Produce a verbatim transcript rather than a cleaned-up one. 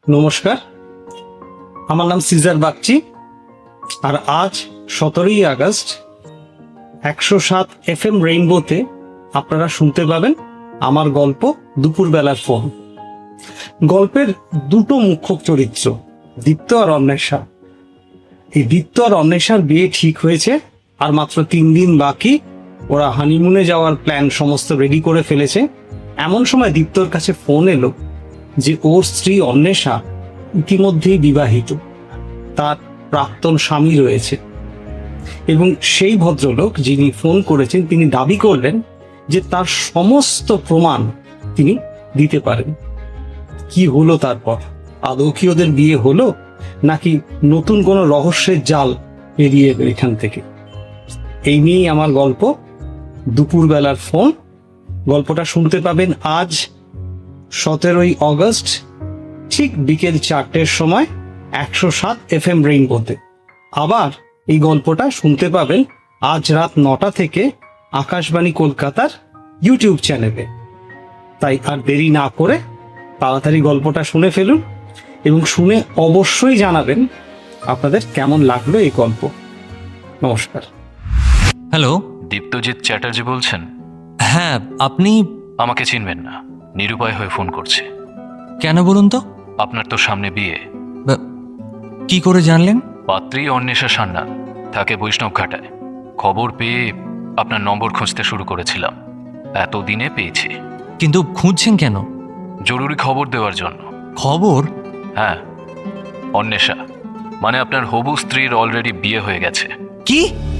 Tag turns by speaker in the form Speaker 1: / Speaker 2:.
Speaker 1: নমস্কার, আমার নাম সিজার বাগচি। আর আজ সতেরোই আগস্ট একশো সাত এফ এম রেইনবোতে আপনারা শুনতে পাবেন আমার গল্প দুপুরবেলার ফোন। গল্পের দুটো মুখ্য চরিত্র, দীপ্ত আর অন্বেষা। এই দীপ্ত আর অন্বেষার বিয়ে ঠিক হয়েছে, আর মাত্র তিন দিন বাকি। ওরা হানিমুনে যাওয়ার প্ল্যান সমস্ত রেডি করে ফেলেছে। এমন সময় দীপ্তর কাছে ফোন এলো যে ওর স্ত্রী অন্বেষা ইতিমধ্যেই বিবাহিত, তার প্রাক্তন স্বামী রয়েছে। এবং সেই ভদ্রলোক যিনি ফোন করেছেন তিনি দাবি করলেন যে তার সমস্ত প্রমাণ তিনি দিতে পারেন। কি হলো তারপর? আদৌ কি ওদের বিয়ে হলো, নাকি নতুন কোনো রহস্যের জাল বেরিয়ে এলো এখান থেকে? এই নিয়েই আমার গল্প দুপুরবেলার ফোন। গল্পটা শুনতে পাবেন আজ সতেরোই অগস্ট ঠিক বিকেল চারটের সময় একশো সাত এফ এম রেইনবোতে। আবার এই গল্পটা শুনতে পাবেন আজ রাত নটা থেকে আকাশবাণী কলকাতার ইউটিউব চ্যানেলে। তাই আর দেরি না করে তাড়াতাড়ি গল্পটা শুনে ফেলুন এবং শুনে অবশ্যই জানাবেন আপনাদের কেমন লাগলো এই গল্প। নমস্কার।
Speaker 2: হ্যালো।
Speaker 3: দীপ্তজিৎ চ্যাটার্জি বলছেন?
Speaker 2: হ্যাঁ, আপনি?
Speaker 3: আমাকে চিনবেন না, নিরুপায় হয়ে ফোন করছে।
Speaker 2: কেন বলুন তো?
Speaker 3: আপনার তো সামনে বিয়ে।
Speaker 2: বা- কি করে জানলেন?
Speaker 3: পাত্রী অন্বেষা সান্যাল, থাকে বৈষ্ণব ঘাটায়। খবর পেয়ে আপনার নম্বর খুঁজতে শুরু করেছিলাম, এতদিনে পেয়েছি।
Speaker 2: কিন্তু খুঁজছেন কেন?
Speaker 3: জরুরি খবর দেওয়ার জন্য।
Speaker 2: খবর?
Speaker 3: হ্যাঁ, অন্বেষা মানে আপনার হবু স্ত্রীর অলরেডি বিয়ে হয়ে গেছে।
Speaker 2: কি?